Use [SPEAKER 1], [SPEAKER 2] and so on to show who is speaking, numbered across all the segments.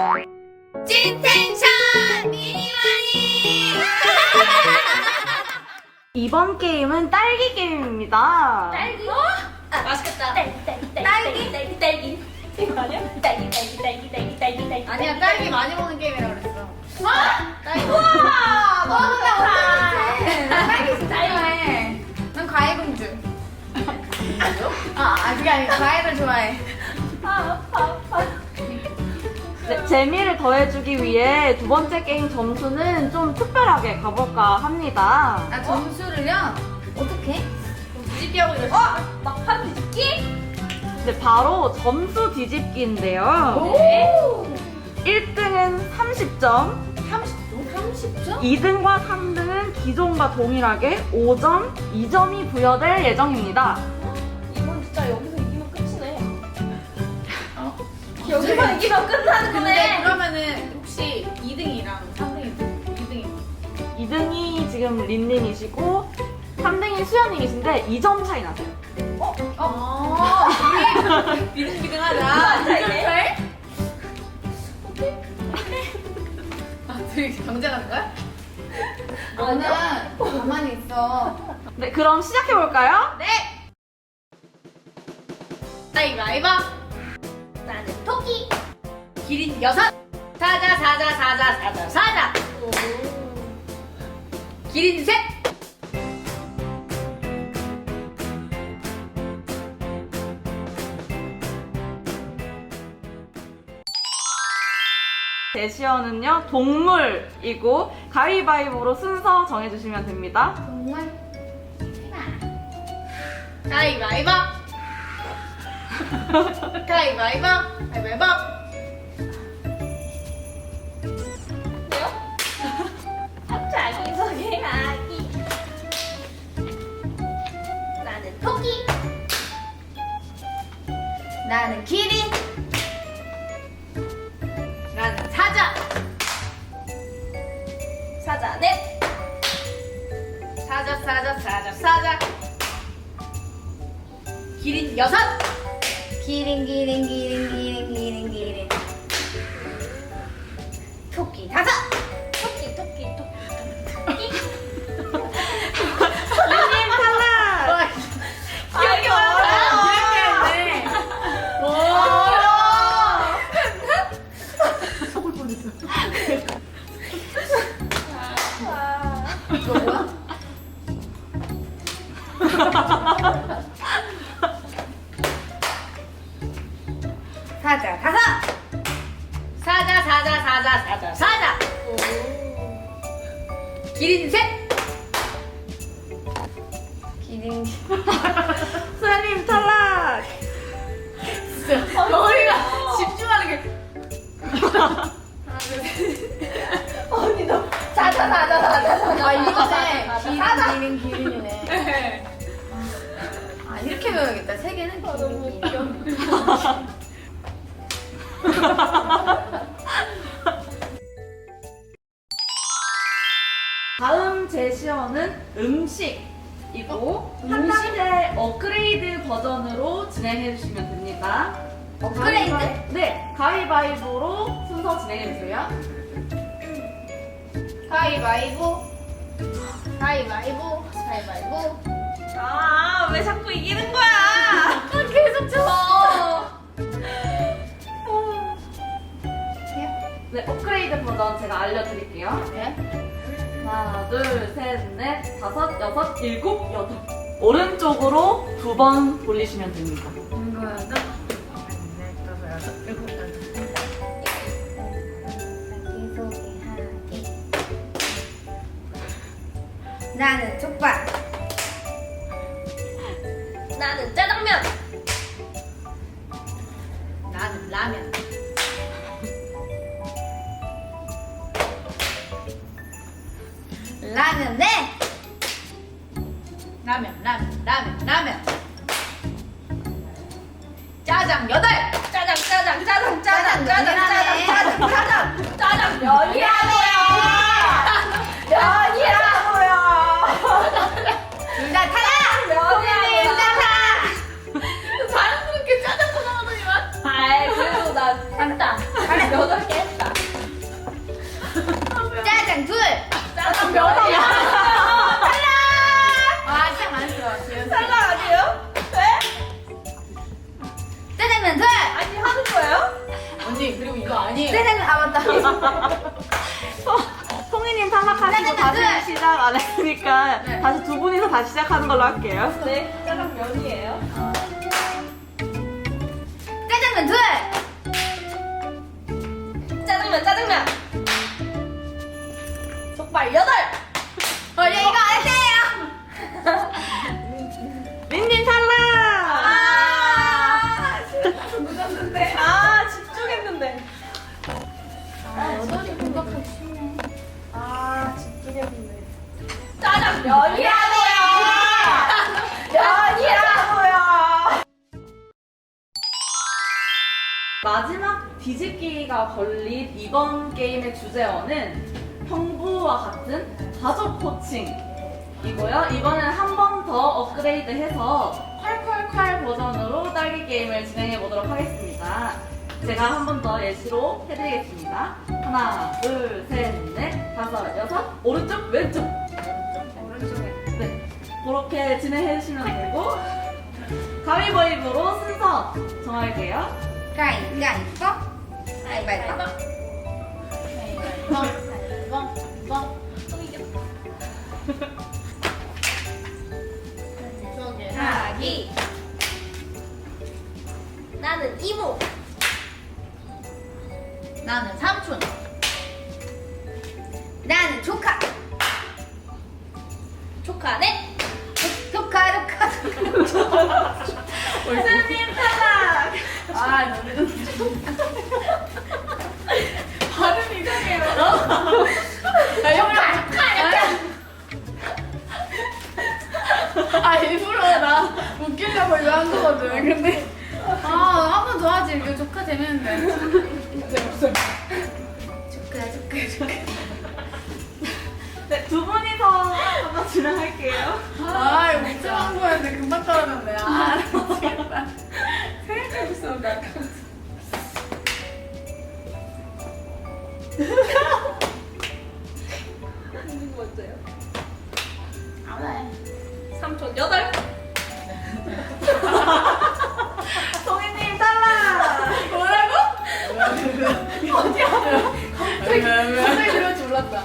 [SPEAKER 1] 찐텐션 미니마니.
[SPEAKER 2] 이번 게임은 딸기 게임입니다.
[SPEAKER 1] 딸기? 맛있겠다.
[SPEAKER 3] 딸기. 이거 아니야? 딸기.
[SPEAKER 1] 아니야, 딸기 많이 먹는 게임이라 그랬어. 딸기.
[SPEAKER 3] 우와!
[SPEAKER 1] 너는 나
[SPEAKER 3] 어떡해.
[SPEAKER 1] 나 딸기 진짜 좋아해. 난 과일공주. 그게 아니고 과일을 좋아해.
[SPEAKER 2] 네, 재미를 더해주기 위해 두 번째 게임 점수는 좀 특별하게 가볼까 합니다.
[SPEAKER 1] 나 점수를요? 어떻게? 뒤집기 하고 이러지.
[SPEAKER 3] 막판 뒤집기?
[SPEAKER 2] 네, 바로 점수 뒤집기인데요.
[SPEAKER 1] 네.
[SPEAKER 2] 1등은 30점,
[SPEAKER 1] 30점?
[SPEAKER 2] 2등과 3등은 기존과 동일하게 5점, 2점이 부여될 예정입니다.
[SPEAKER 3] 이건 진짜 여기서 이기면 끝이네. 여기서 이기면 끝나는
[SPEAKER 1] 근데
[SPEAKER 3] 거네.
[SPEAKER 1] 그러면은 혹시 2등이랑 3등이 2등이
[SPEAKER 2] 2등이 지금 린린이시고 3등이 수연님이신데 2점 차이 나세요.
[SPEAKER 1] 우리 비등비등하자.
[SPEAKER 3] 돼?
[SPEAKER 1] 둘이 경쟁하는 거야? 너는 가만히 있어.
[SPEAKER 2] 네, 그럼 시작해볼까요?
[SPEAKER 1] 네! 가위바위보.
[SPEAKER 3] 나는 토끼.
[SPEAKER 1] 기린 6. 사자. 기린 3.
[SPEAKER 2] 제시어는요, 동물이고 가위바위보로 순서 정해주시면 됩니다.
[SPEAKER 1] 정말? 가위바위보. 가위바위보. 가위바위보.
[SPEAKER 3] 자기소개 하기. 나는 토끼.
[SPEAKER 1] 나는 기린. 나는 사자.
[SPEAKER 3] 사자 넷.
[SPEAKER 1] 사자. 기린 6. 기린. 토끼 5.
[SPEAKER 3] 토끼.
[SPEAKER 2] 린린 탈락!
[SPEAKER 1] 기억이 이렇게 했네. 속을 뻔했어. 이거 뭐야? 사자 5. 사자. 기린 3. 기린.
[SPEAKER 2] 수연님 탈락!
[SPEAKER 1] 머리가 집중하는 게.
[SPEAKER 3] 언니 너 사자.
[SPEAKER 1] 이거네. 기린이네. 이렇게 배워야겠다. 3개는 기린.
[SPEAKER 2] 다음 제시어는 음식이고 한 단계 업그레이드 버전으로 진행해주시면 됩니다.
[SPEAKER 1] 업그레이드?
[SPEAKER 2] 네, 가위바위보로 순서 진행해주세요.
[SPEAKER 1] 가위바위보.
[SPEAKER 3] 아, 왜 자꾸 이기는 거야?
[SPEAKER 1] 계속 쳐.
[SPEAKER 2] 네, 업그레이드 버전 제가 알려드릴게요.
[SPEAKER 1] 네?
[SPEAKER 2] 하나, 둘, 셋, 넷, 다섯, 여섯, 일곱, 여덟. 오른쪽으로 2번 돌리시면 됩니다.
[SPEAKER 1] 나는 족발.
[SPEAKER 3] 나는 짜장면.
[SPEAKER 1] 나는 라면. 라면 네. 라면. 짜장 8.
[SPEAKER 3] 짜장 면이라고요.
[SPEAKER 1] 둘 다 타라.
[SPEAKER 3] 면이라고요.
[SPEAKER 1] 둘 다 타.
[SPEAKER 3] 자연스럽게 짜장 나오더니만. 아이, 그래도 나 한다. 8개 했다.
[SPEAKER 4] 언니 그리고 이거 아니에요.
[SPEAKER 1] 짜장면 아 맞다.
[SPEAKER 2] 송이님 탈락하시고 다시 시작 안 했으니까
[SPEAKER 4] 네.
[SPEAKER 2] 다시 두 분이서 다시 시작하는 걸로 할게요.
[SPEAKER 3] 네, 짜장면이에요.
[SPEAKER 1] 짜장면 둘.
[SPEAKER 3] 짜장면. 족발 8.
[SPEAKER 1] 이거 안 돼요.
[SPEAKER 2] 린님 탈락!
[SPEAKER 3] 묻었는데. 집중했는데.
[SPEAKER 1] 여덟이 공격하기 쉽네.
[SPEAKER 3] 집중했는데. 짜장면이라고요! 면이라고요!
[SPEAKER 2] 마지막 뒤집기가 걸린 이번 게임의 주제어는 형부와 같은 가족 코칭이고요. 이번엔 한 번 더 업그레이드해서 콸콸콸 버전으로 딸기 게임을 진행해 보도록 하겠습니다. 제가 한 번 더 예시로 해드리겠습니다. 하나, 둘, 셋, 넷, 다섯, 여섯, 오른쪽, 왼쪽.
[SPEAKER 1] 오른쪽에.
[SPEAKER 2] 네, 그렇게 진행해 주시면 되고 가위바위보로 순서 정할게요.
[SPEAKER 1] 가위바위보. 가위바위보.
[SPEAKER 3] 자기. 나는 이모.
[SPEAKER 1] 나는 삼촌. 나는 조카.
[SPEAKER 3] 조카네.
[SPEAKER 1] 조카.
[SPEAKER 2] 스님 탈락!
[SPEAKER 4] 발음 이상해요. 일부러 나 웃기려고 이거 한 거거든. 근데
[SPEAKER 1] 한 번 더 하지. 이거 조카 재밌는데.
[SPEAKER 4] 재밌어.
[SPEAKER 1] 조카.
[SPEAKER 2] 네, 두 분이서 한번 진행할게요.
[SPEAKER 4] 이거 웃자한 거였는데 금방 떨어졌네. 미치겠다. 생각하고 있었는데 아까.
[SPEAKER 3] 누구 먼저요?
[SPEAKER 1] 알아요.
[SPEAKER 3] 삼촌 8.
[SPEAKER 2] 송이님 탈락!
[SPEAKER 4] 뭐라고? 어디야? 갑자기 그럴 줄 몰랐다.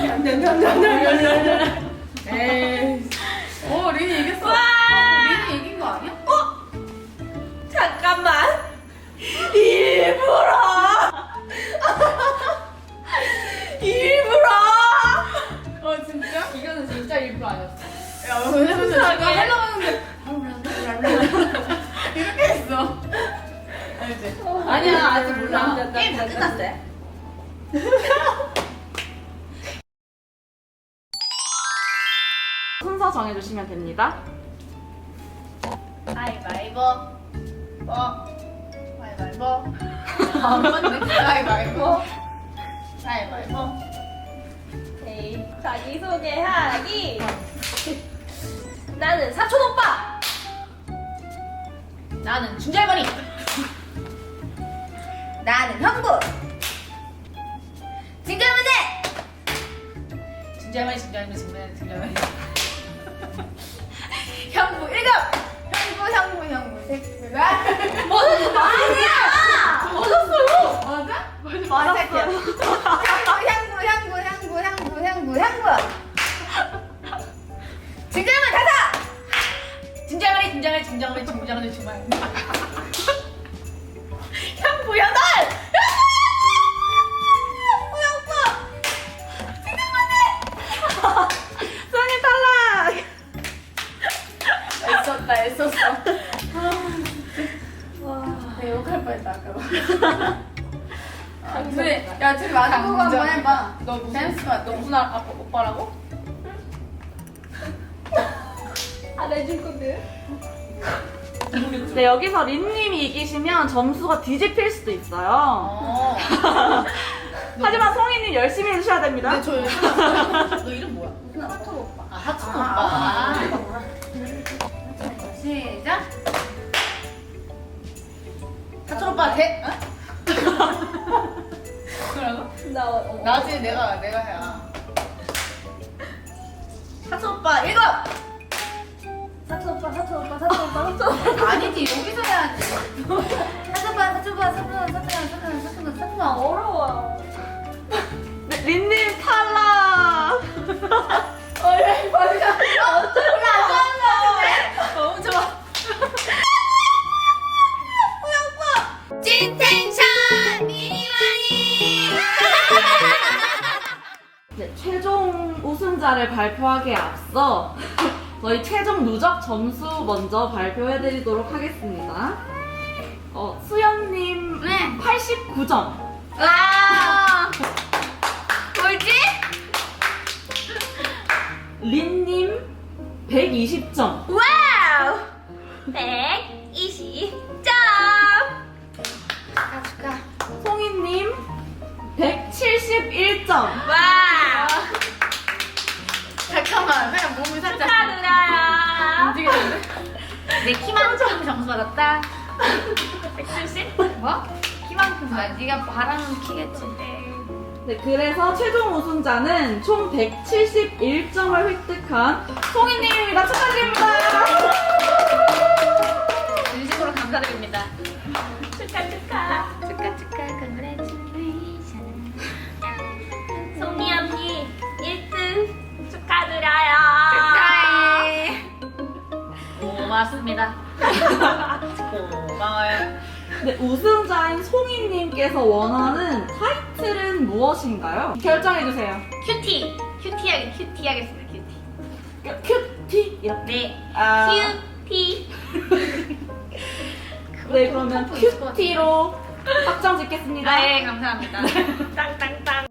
[SPEAKER 4] 에이. 린이 이겼어. 린이 이긴 거 아니야?
[SPEAKER 3] 잠깐만. 일부러.
[SPEAKER 4] 진짜? 이거는 진짜 일부 아니었어. 야, 왜냐면 내가 하려고 했는데 이렇게 했어. 알지?
[SPEAKER 1] 아니야, 아직 몰라.
[SPEAKER 3] 게임 다 끝났어.
[SPEAKER 2] 순서 정해주시면 됩니다.
[SPEAKER 1] 가위바위보. 가위바위보.
[SPEAKER 4] 안 맞네. 가위바위보.
[SPEAKER 1] 가위바위보.
[SPEAKER 3] 오케이. 자기소개하기. 나는 사촌 오빠.
[SPEAKER 1] 나는 중절머리. 나는 형부. 중절머리.
[SPEAKER 4] 중절머리.
[SPEAKER 1] 형부 1급. 형부 색깔.
[SPEAKER 3] 아니야.
[SPEAKER 1] 맞았어요. 맞아?
[SPEAKER 2] 맞았어요.
[SPEAKER 1] 향부. 중절머리 5.
[SPEAKER 4] 중절머리.
[SPEAKER 3] 형부 8.
[SPEAKER 2] 송이 탈락!
[SPEAKER 4] 애썼어. 내가 욕할 뻔했다 아까. 둘이 마주보고 한번 해봐. 너 무슨 오빠라고?
[SPEAKER 3] 안 해줄 건데.
[SPEAKER 2] 네, 여기서 린님이 이기시면 점수가 뒤집힐 수도 있어요. 하지만 송이님 열심히 해주셔야 됩니다.
[SPEAKER 4] 근데 너 이름 뭐야?
[SPEAKER 1] 사촌 오빠.
[SPEAKER 4] 하춘 오빠.
[SPEAKER 1] 시작.
[SPEAKER 4] 하춘 오빠 뭐라고? 나중에 내가 해야.
[SPEAKER 3] 사촌 오빠 7. 사촌 오빠.
[SPEAKER 1] 아니지 여기서 해야지. 사촌 오빠. 찐텐션 미니마니.
[SPEAKER 2] 네, 최종 우승자를 발표하기에 앞서 저희 최종 누적 점수 먼저 발표해드리도록 하겠습니다. 수연님
[SPEAKER 1] 네.
[SPEAKER 2] 89점.
[SPEAKER 1] 와. 뭐지?
[SPEAKER 2] 린님 120점.
[SPEAKER 1] 와우. 120점. 축하.
[SPEAKER 2] 송이님 171점.
[SPEAKER 1] 와.
[SPEAKER 4] 잠깐만, 그냥 몸이 살짝
[SPEAKER 1] 축하드려요.
[SPEAKER 4] 움직이는데?
[SPEAKER 1] 내 키만큼 점수 받았다. 170? 뭐? 키만큼. 아, 네가 바라는 키겠지.
[SPEAKER 2] 네, 그래서 최종 우승자는 총 171점을 획득한 송이님입니다. 축하드립니다.
[SPEAKER 1] 진심으로 감사드립니다.
[SPEAKER 3] 축하.
[SPEAKER 1] 축하, congratulations.
[SPEAKER 3] 송이 언니 1등 축하드려요.
[SPEAKER 1] 축하해.
[SPEAKER 3] 고맙습니다. 고마워요.
[SPEAKER 2] 네, 우승자인 송이님께서 원하는 타이틀은 무엇인가요? 결정해주세요.
[SPEAKER 1] 큐티. 큐티 하겠습니다, 큐티.
[SPEAKER 2] 큐티 이렇게.
[SPEAKER 1] 네.
[SPEAKER 2] 아,
[SPEAKER 1] 큐티.
[SPEAKER 2] 네, 그러면
[SPEAKER 1] 템포 있을 것
[SPEAKER 2] 큐티로 확정 짓겠습니다.
[SPEAKER 1] 네, 감사합니다.
[SPEAKER 3] 땅땅땅.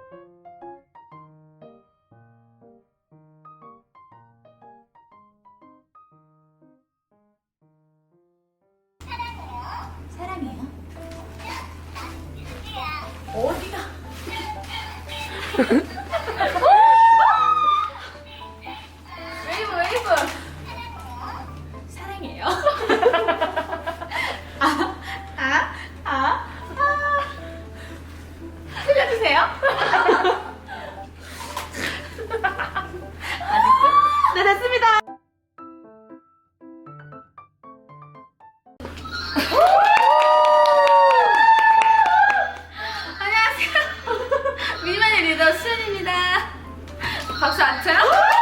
[SPEAKER 1] 사랑해요.
[SPEAKER 3] 어디가?
[SPEAKER 1] 웨이브. 사랑해요.
[SPEAKER 3] 틀려주세요.
[SPEAKER 2] 네, 됐습니다.
[SPEAKER 1] 안녕하세요. 미니마니 리더 수연입니다. 박수 안 쳐요?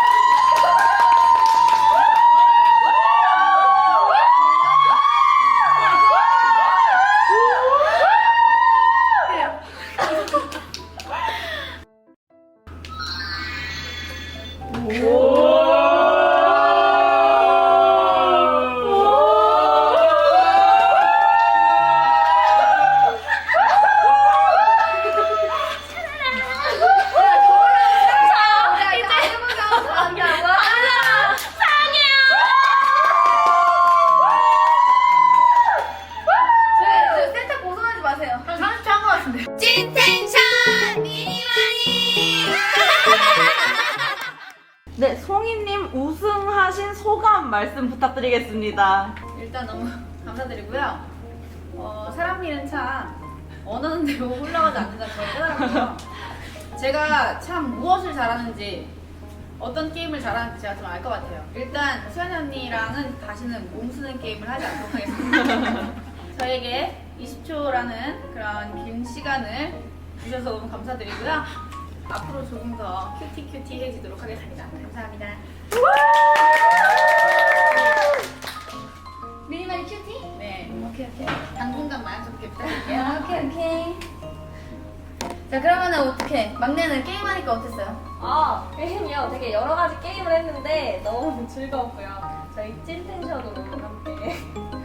[SPEAKER 1] 저 센터 고소하지 마세요.
[SPEAKER 4] 한 30초 한 것 같은데.
[SPEAKER 1] 찐텐션 미니마니.
[SPEAKER 2] 네, 송이님 우승하신 소감 말씀 부탁드리겠습니다.
[SPEAKER 4] 일단 너무 감사드리고요. 사람 일은 참 원하는 대로 흘러가지 않는다는 걸 깨달았고요. 제가 참 무엇을 잘하는지 어떤 게임을 잘하는지 제가 좀 알 것 같아요. 일단 수연이 언니랑은 다시는 몸 쓰는 게임을 하지 않도록 하겠습니다. 저에게 20초라는 그런 긴 시간을 주셔서 너무 감사드리고요. 앞으로 조금 더 큐티해지도록 하겠습니다. 감사합니다.
[SPEAKER 1] 미니마니 큐티?
[SPEAKER 4] 네.
[SPEAKER 1] 오케이.
[SPEAKER 4] 당분간만 좋게 부탁드릴게요.
[SPEAKER 1] 오케이. 자, 그러면은 어떻게? 막내는 게임하니까 어땠어요?
[SPEAKER 3] 게임이요. 되게 여러 가지 게임을 했는데 너무 즐거웠고요. 저희 찐텐션으로 함께.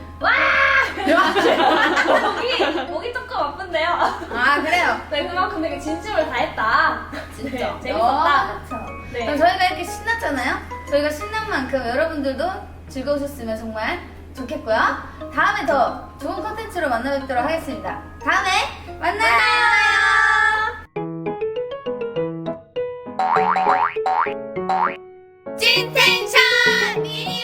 [SPEAKER 3] 목이 조금 아픈데요.
[SPEAKER 1] 아, 그래요?
[SPEAKER 3] 네, 그만큼 되게 진심을 다했다.
[SPEAKER 1] 진짜.
[SPEAKER 3] 네, 재밌었다.
[SPEAKER 1] 그쵸.
[SPEAKER 3] 네.
[SPEAKER 1] 그럼 저희가 이렇게 신났잖아요? 저희가 신난 만큼 여러분들도 즐거우셨으면 정말 좋겠고요. 다음에 더 좋은 컨텐츠로 만나 뵙도록 하겠습니다. 다음에 만나요! 찐텐션 미니